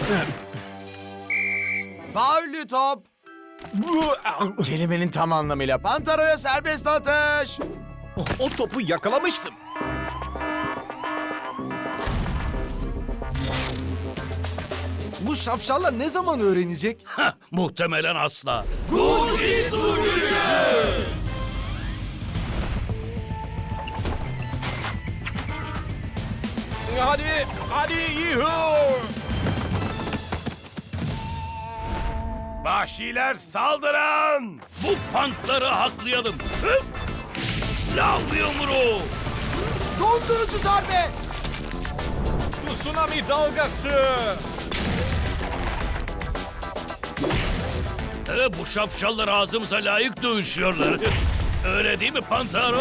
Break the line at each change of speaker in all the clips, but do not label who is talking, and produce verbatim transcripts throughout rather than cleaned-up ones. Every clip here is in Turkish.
Faullü top. Kelimenin tam anlamıyla Pantaro'ya serbest atış.
O, o topu yakalamıştım. Bu şapşallar ne zaman öğrenecek?
Heh, muhtemelen asla.
Hadi, hadi yuhu!
Vahşiler saldıran!
Bu pantları haklayalım. Hıp! Lav yumruğu.
Dondurucu darbe.
Tsunami dalgası!
Ee, bu şapşallar ağzımıza layık dövüşüyorlar. Öyle değil mi Pantaro?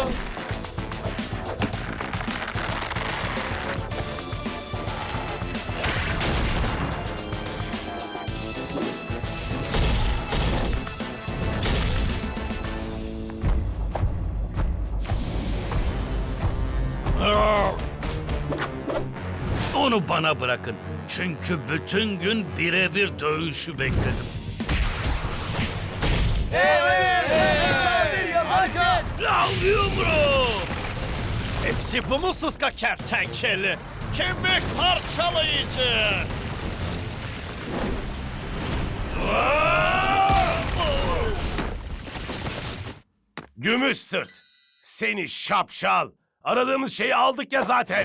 Onu bana bırakın. Çünkü bütün gün birebir dövüşü bekledim. Lav yumruğu!
Hepsi bu mu sıska kertenkele? Kemik parçalayıcı! Gümüş sırt! Seni şapşal! Aradığımız şeyi aldık ya zaten!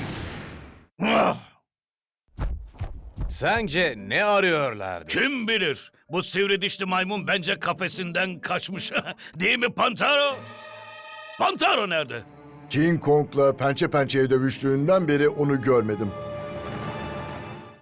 Sence ne arıyorlardı?
Kim bilir? Bu sivri dişli maymun bence kafesinden kaçmış. Değil mi Pantaro? Pantaro nerede?
King Kong'la pençe pençeye dövüştüğünden beri onu görmedim.